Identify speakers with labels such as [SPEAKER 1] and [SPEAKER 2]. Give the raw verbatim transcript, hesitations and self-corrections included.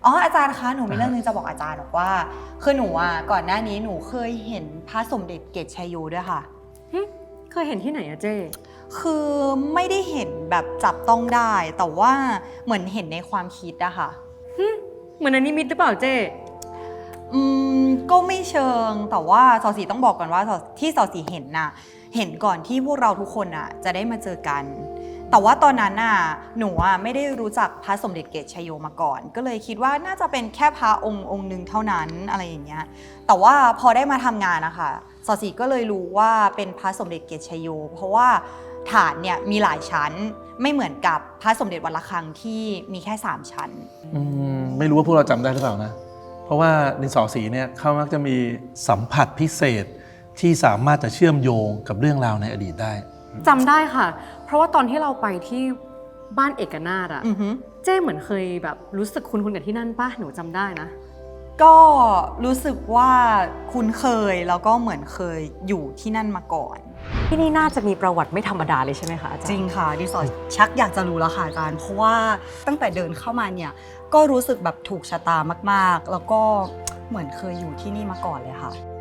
[SPEAKER 1] อ๋ออาจารย์คะหนูมีเรื่องนึงจะบอกอาจารย์บอกว่าคือหนูอ่ะก่อนหน้านี้หนูเคยเห็นพระสมเด็จเกศชัยโยด้วยค่ะ
[SPEAKER 2] เคยเห็นที่ไหนอะเจ้
[SPEAKER 1] คือไม่ได้เห็นแบบจับต้องได้แต่ว่าเหมือนเห็นในความคิดอะค่ะ
[SPEAKER 2] เหมือนอันนี้มิตหรือเปล่าเจ้
[SPEAKER 1] อืมก็ไม่เชิงแต่ว่าสอสีต้องบอกก่อนว่าที่สอสีเห็นน่ะเห็นก่อนที่พวกเราทุกคนน่ะจะได้มาเจอกันแต่ว่าตอนนั้นน่ะหนูอ่ะไม่ได้รู้จักพระสมเด็จเกศชัยโยมาก่อนก็เลยคิดว่าน่าจะเป็นแค่พระองค์องค์หนึ่งเท่านั้นอะไรอย่างเงี้ยแต่ว่าพอได้มาทำงานนะคะสอสีก็เลยรู้ว่าเป็นพระสมเด็จเกศชัยโยเพราะว่าฐานเนี่ยมีหลายชั้นไม่เหมือนกับพระสมเด็จวัดระฆังที่มีแค่สามชั้น
[SPEAKER 3] อืมไม่รู้ว่าพวกเราจำได้หรือเปล่านะเพราะว่าดินสอสีเนี่ยเขามักจะมีสัมผัสพิเศษที่สามารถจะเชื่อมโยงกับเรื่องราวในอดีตได้
[SPEAKER 2] จำได้ค่ะเพราะว่าตอนที่เราไปที่บ้านเอกนาถอะเจ้เหมือนเคยแบบรู้สึกคุ้นๆกับที่นั่นป่ะหนูจำได้นะ
[SPEAKER 1] ก็รู้สึกว่าคุ้นเคยแล้วก็เหมือนเคยอยู่ที่นั่นมาก่อน
[SPEAKER 2] ที่นี่น่าจะมีประวัติไม่ธรรมดาเลยใช่ไหมคะอาจารย์
[SPEAKER 1] จริงค่ะดิสอชักอยากจะรู้แล้วค่ะอาจารย์เพราะว่าตั้งแต่เดินเข้ามาเนี่ยก็รู้สึกแบบถูกชะตามากๆแล้วก็เหมือนเคยอยู่ที่นี่มาก่อนเลยค่ะ